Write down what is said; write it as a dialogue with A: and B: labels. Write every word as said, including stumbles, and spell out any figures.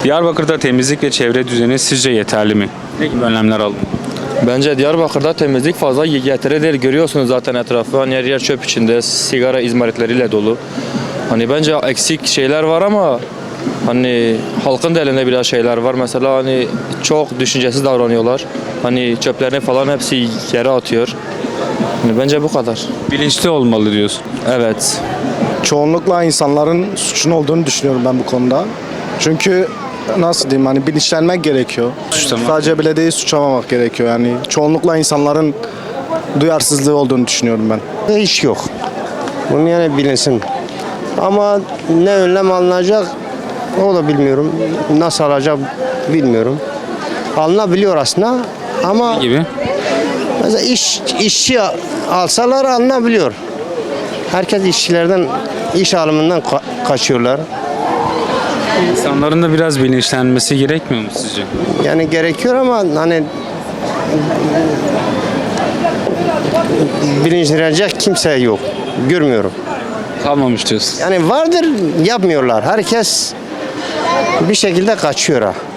A: Diyarbakır'da temizlik ve çevre düzeni sizce yeterli mi? Ne gibi önlemler alınmalı?
B: Bence Diyarbakır'da temizlik fazla yeterli değil. Görüyorsunuz zaten etrafı. Hani her yer çöp içinde, sigara izmaritleriyle dolu. Hani bence eksik şeyler var ama hani halkın da elinde biraz şeyler var. Mesela hani çok düşüncesiz davranıyorlar. Hani çöplerini falan hepsi yere atıyor. Hani bence bu kadar.
A: Bilinçli olmalı diyorsun.
B: Evet.
C: Çoğunlukla insanların suçun olduğunu düşünüyorum ben bu konuda. Çünkü nasıl diyeyim hani bilinçlenmek gerekiyor.
A: Suçlamak.
C: Sadece belediyeyi suçlamamak gerekiyor. Yani çoğunlukla insanların duyarsızlığı olduğunu düşünüyorum ben.
D: Hiç yok. Bunu yani bilinsin. Ama ne önlem alınacak o da bilmiyorum. Nasıl alacak bilmiyorum. Alınabiliyor aslında ama
A: Ne gibi?
D: mesela iş, işçi alsalar alınabiliyor. Herkes işçilerden, iş alımından ka- kaçıyorlar.
A: İnsanların da biraz bilinçlenmesi gerekmiyor mu sizce?
D: Yani gerekiyor ama hani bilinçlenecek kimse yok. Görmüyorum.
A: Kalmamış diyorsun.
D: Yani vardır yapmıyorlar. Herkes bir şekilde kaçıyor ha.